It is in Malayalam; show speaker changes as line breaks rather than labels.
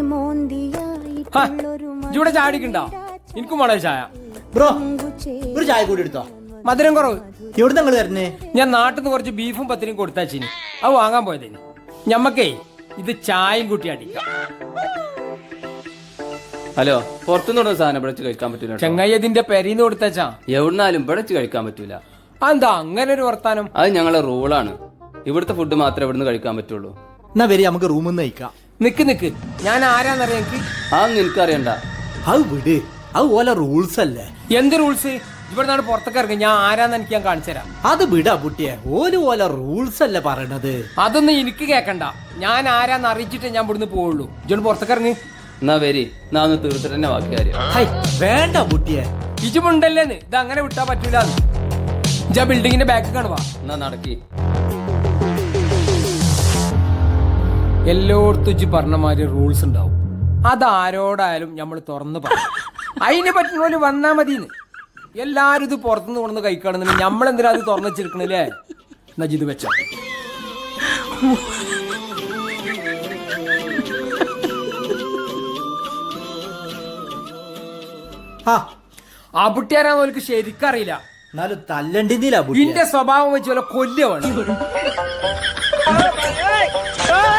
ഇവിടെ ചാടിക്കണ്ടോ? എനിക്കും വേണോ ചായ?
ബ്രോ ഒരു ചായ കൂടി എടുത്തോ.
മധുരം കുറവ്.
എവിടെ നിങ്ങൾ വരുന്നേ?
ഞാൻ നാട്ടിൽ നിന്ന് കുറച്ച് ബീഫും പത്തിനും കൊടുത്താച്ചിന്, അത് വാങ്ങാൻ പോയതിന്. ഞമ്മക്കേ ഇത് ചായയും കൂട്ടി അടിക്കാം.
ഹലോ, പുറത്തുനിന്ന് സാധനം ഇവിടെ കഴിക്കാൻ പറ്റൂല.
ചെങ്ങായി ഇതിന്റെ പെരീന്ന് കൊടുത്താച്ചാ
എവിടുന്നാലും ഇവിടെ കഴിക്കാൻ പറ്റൂല.
അതെന്താ അങ്ങനെ ഒരു വർത്താനം?
അത് ഞങ്ങളെ റൂളാണ്. ഇവിടുത്തെ ഫുഡ് മാത്രമേ ഇവിടുന്ന് കഴിക്കാൻ പറ്റുള്ളൂ.
എന്നാ വരി നമുക്ക് റൂമിൽ നിന്ന് കഴിക്കാം.
നിക്ക് ഞാൻ ആരാന്നറിയാം എനിക്ക്?
അതൊന്നും എനിക്കറിയണ്ട.
അത് വിട്, അത് ഓല റൂൾസ് അല്ലേ.
എന്ത് റൂൾസ്? ഇവിടെ നിന്നാണ് പുറത്തേക്ക് ഇറങ്ങി. ഞാൻ ആരാന്ന് എനിക്ക് ഞാൻ കാണിച്ചു തരാം.
അത് വിടാ കുട്ടിയെ, ഓല റൂൾസ് അല്ലേ പറയണത്.
അതൊന്നും എനിക്ക് കേക്കണ്ട. ഞാൻ ആരാന്ന് അറിയിച്ചിട്ടേ ഞാൻ ഇവിടുന്ന് പോവുള്ളൂ. ഇജോട് പുറത്തേക്ക് ഇറങ്ങി.
എന്നാ വരി, എന്നാ ഒന്ന് തീർത്തിട്ട് തന്നെ ബാക്കി കാര്യം.
വേണ്ട കുട്ടിയെ,
ഇജുമുണ്ടല്ലേന്ന് ഇത് അങ്ങനെ വിട്ടാ പറ്റൂല. ഇജാ ബിൽഡിങ്ങിന്റെ ബാക്ക് കാണുവാ.
എന്നാ നടക്കി.
എല്ലായിടത്തും ഇജ്ജ് പറഞ്ഞ മാതിരി റൂൾസ് ഉണ്ടാവും. അതാരോടായാലും നമ്മൾ തുറന്ന് പറയും. അതിനെ പറ്റുന്ന പോലെ വന്നാ മതിന്ന്. എല്ലാരും ഇത് പുറത്തുനിന്ന് കൊണ്ടുവന്ന് കഴിക്കുകയാണെന്നുണ്ടെങ്കിൽ നമ്മളെന്തിനാ അത് തുറന്നു വെച്ചിരിക്കണില്ലേ? എന്നാ ഇത് വെച്ചോ. ആ പുട്ടിയാരാന്ന് ഓൽക്ക് ശരിക്കറിയില്ല.
എന്നാലും തല്ലണ്ടിന്നില്ല.
ഇന്റെ സ്വഭാവം വെച്ച് പോലെ കൊല്ലുവാണ്.